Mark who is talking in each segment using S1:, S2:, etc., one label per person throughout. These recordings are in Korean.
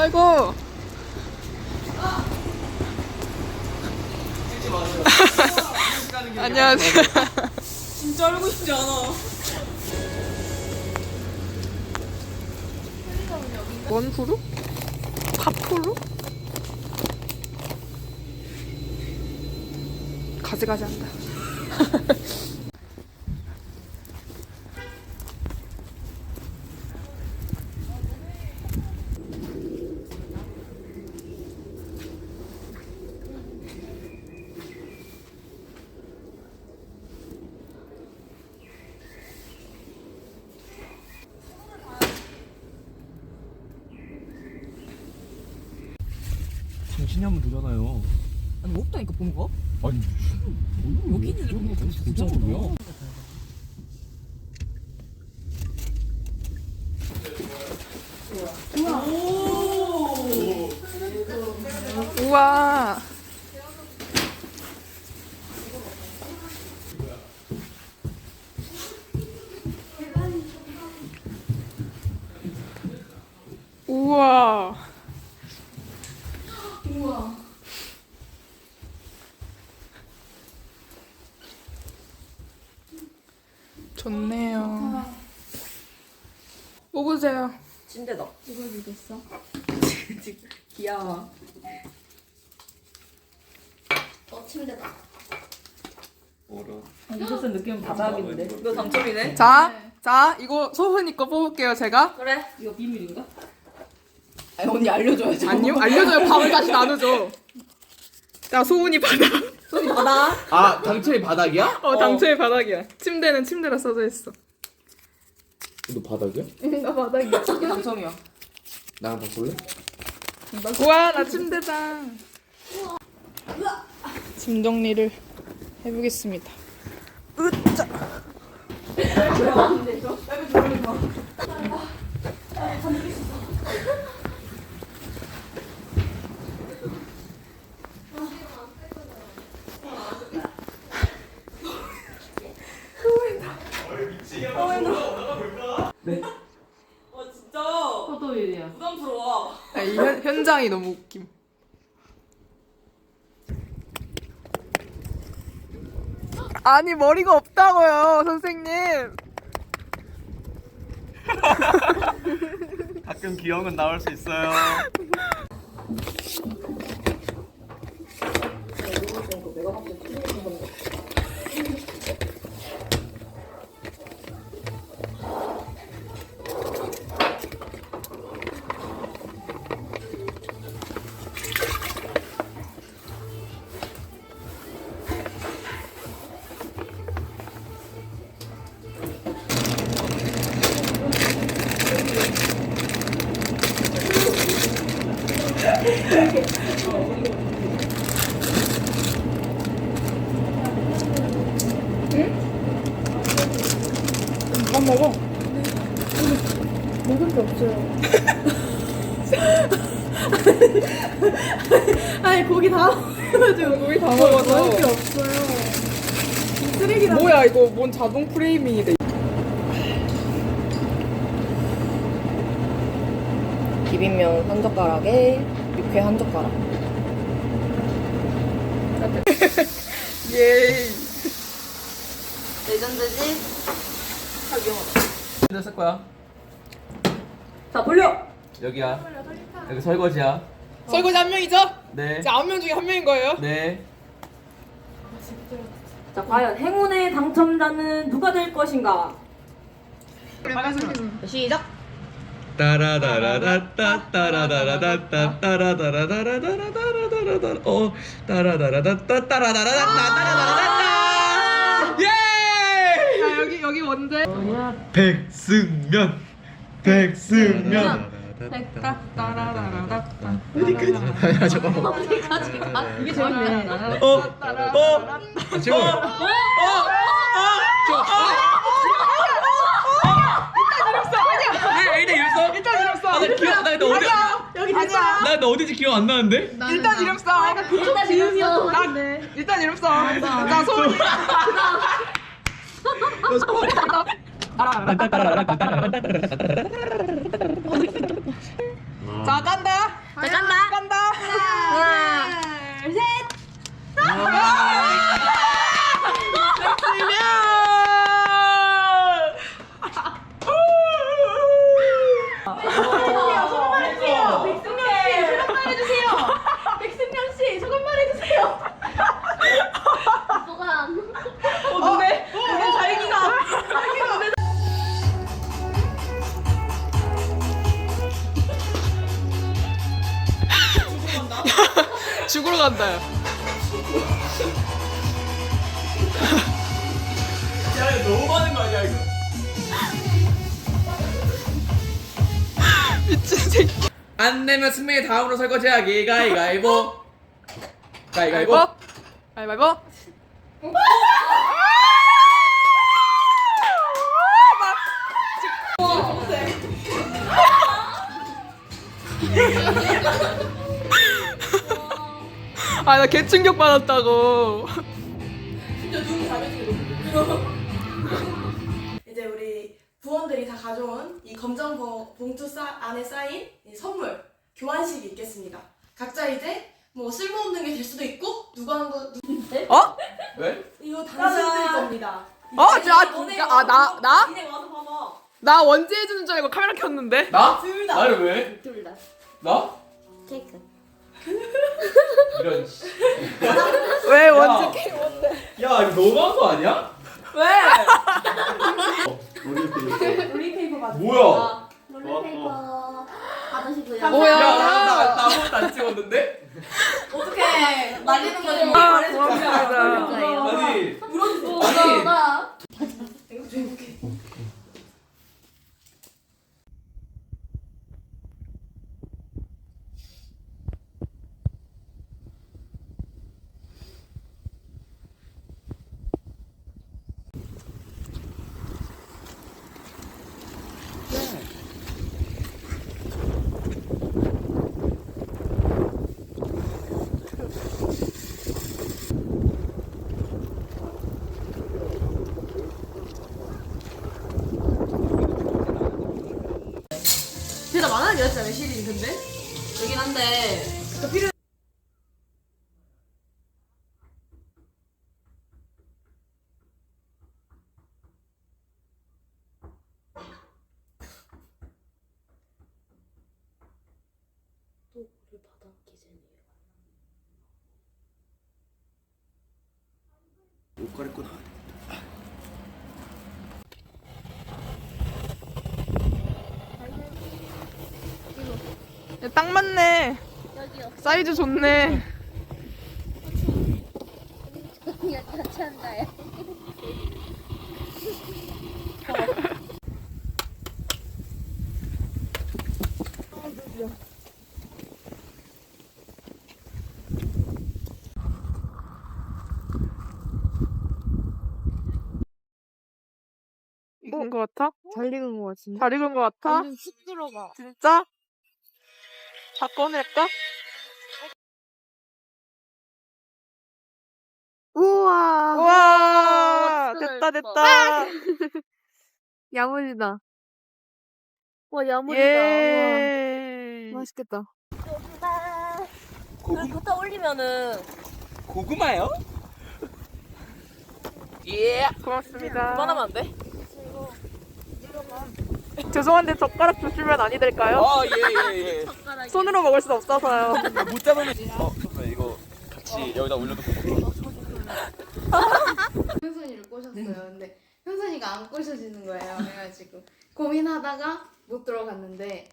S1: 아이고. 안녕하세요.
S2: 진짜 알고 싶지 않아.
S1: 원푸루? 파푸루? 가지가지 한다.
S3: 정신이 한번 들잖아요.
S2: 아니 없다니까 본 거?
S3: 아니
S2: 여기는 이렇게
S3: 진짜 모르요.
S1: 우와. 우와.
S2: 우와.
S1: 좋네요. 뽑으세요.
S2: 침대다. 이걸 주겠어? 귀여워. 침대다. 이것은 느낌은 바닥인데. 이거 당첨이네?
S1: 자, 이거 소은이 거 뽑을게요, 제가.
S2: 그래. 이거 비밀인가? 아니 언니 알려줘야죠.
S1: 아니요, 알려줘요. 밥을 다시 나누죠. 자, 소은이 바닥.
S2: 손이 받아.
S3: 아 당첨이 바닥이야?
S1: 당초의 바닥이야. 침대는 침대라 써져 있어.
S3: 너 바닥이야?
S1: 나 바닥이야.
S2: 이게 당첨이야.
S3: 나랑 바꿀래?
S1: 우와, 나 침대다. 짐 정리를 해보겠습니다. 으짜.
S3: 네.
S2: 진짜.
S4: 포도일이야.
S2: 부담스러워.
S1: 이 현장이 너무 웃김. 아니, 머리가 없다고요, 선생님.
S3: 가끔 귀여운 건 나올 수 있어요.
S1: 밥 먹어.
S4: 먹을 게 없어요. 아니 고기 다 먹어가지고
S1: 고기 다 먹어서.
S4: 먹을 게 없어요. 쓰레기다.
S1: 뭐야, 이거 뭔 자동 프레이밍이래.
S2: 비빔면 한 젓가락에 육회 한 젓가락.
S1: 예이.
S2: 레전드지?
S3: 쓸 거야.
S2: 자 돌려.
S3: 여기야. 여기 설거지야.
S1: 설거지 한 명이죠?
S3: 네.
S1: 자, 9명 중에 한 명인 거예요.
S3: 네.
S2: 자 과연 행운의 당첨자는 누가 될 것인가? 시작.
S3: 따라다라다따 따라다라다따 따라다라다라다라다라다라 따라다라다따 따라다라다따 예!
S1: 자, 여기 뭔데?
S3: 백승면
S1: 따라라라라따.
S3: 어디까지? 야 잠깐만.
S2: 어디까지 가? 이게 재밌네.
S3: 지금 일단 이랬어.
S1: 일단 이름 써.
S3: 나 기억 나 근데 어디
S4: 여기
S1: 아니야.
S3: 나 근데 어딘지 기억 안 나는데?
S1: 일단 이름 써.
S4: 일단 지으면
S1: 일단 이름 써. 자, 소은이. 자, 자 간다.
S2: 자, 간다.
S1: 간다.
S2: 하나, 둘, 셋.
S4: 백승명 씨, 소감 말해주세요.
S1: 네. 자기가. 죽으러 간다. 야.
S3: 야 이거 너무 많은 거 아니야 이거?
S1: 미친 새끼.
S3: 안 내면 승민이 다음으로 설거지하기. 가위가위보. 가위가위보.
S1: 가위바위보. 아, 나 개충격 받았다고.
S4: 이제 우리 부원들이 다 가져온 이 검정 봉투 안에 쌓인 이 선물 교환식이 있겠습니다. 각자 이제 뭐 쓸모없는 게 될 수도 있고 누가 한 거
S1: 어?
S3: 왜?
S4: 이거 당신들 겁니다.
S1: 나?
S4: 니네 와서 봐봐.
S1: 나 원지 해주는 줄 알고 카메라 켰는데.
S3: 나?
S4: 둘 다.
S3: 나를 왜?
S2: 둘 다.
S3: 나?
S2: 케이크.
S3: 이런 씨.
S1: 왜
S3: 야.
S1: 원지?
S3: 야 이거 너무한 거 아니야?
S1: 왜?
S4: 롤링페이퍼 받아.
S3: 뭐야?
S2: 롤링페이퍼 받으시고요.
S1: 뭐야?
S3: 야나 아무것도 안 찍었는데?
S4: 어떡해. 말리는 거지.
S1: 아, 고맙습니다.
S3: 아니
S4: 물어주세요.
S3: 아니
S2: 나.
S4: 이거 좀 해볼게. 대답 안 하는 게 낫지 않아요, 시린 근데?
S2: 그긴 한데. 또 우리 바닥 기준이에요.
S3: 옷 갈아입고 나와야 돼.
S1: 야, 딱 맞네.
S2: 여기요.
S1: 사이즈 좋네.
S2: 그냥 같이 한다요.
S1: 익은 거 같아?
S2: 잘 익은 것 같은데?
S1: 잘 익은 거 같아?
S2: 완전 쑥 들어가.
S1: 진짜? 다 꺼낼까?
S2: 우와.
S1: 우와,
S2: 맛있다,
S1: 됐다.
S2: 야물이다. 와, 야물이다.
S1: 예.
S2: 우와. 맛있겠다.
S3: 고구,
S2: 걷다 올리면은
S3: 고구마요?
S1: 예. 고맙습니다.
S2: 그만하면 안 돼?
S1: 죄송한데 젓가락 주시면 아니 될까요?
S3: 예예예.
S1: 손으로 먹을 수 없어서요.
S3: 못 잡으면 잠깐만 이거 같이 여기다 올려놓고
S5: 현선이를 꼬셨어요. 근데 현선이가 안 꼬셔지는 거예요. 그래가지고 고민하다가 못 들어갔는데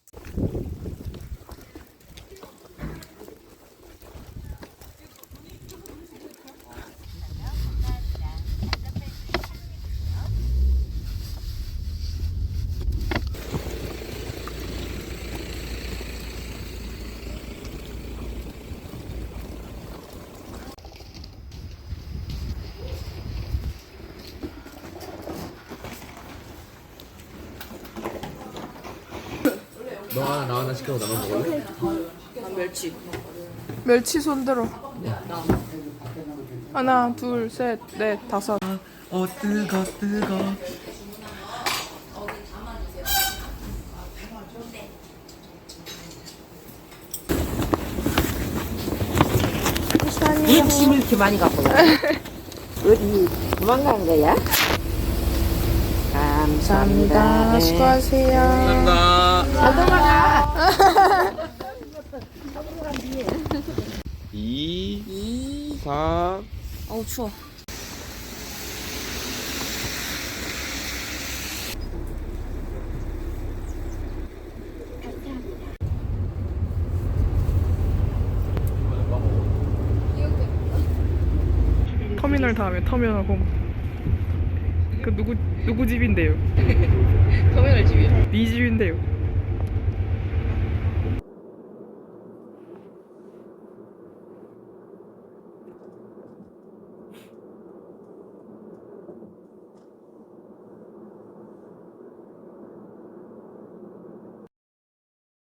S3: 너 하나 나 하나 시켜서 나눠 먹을래?
S1: 멸치 손들어. 하나, 둘, 셋, 넷, 다섯.
S3: 뜨거
S6: 짐을 이렇게 많이 갖고 와. 어디 도망간 거야? 감사합니다. 네.
S1: 수고하세요.
S3: 감사합니다.
S6: 잘 돌아가.
S3: 2, 3.
S2: 어우 추워.
S1: 터미널 다음에 터미널 홈. 그 누구 집인데요?
S2: 터미널 집이요?
S1: 네 집인데요.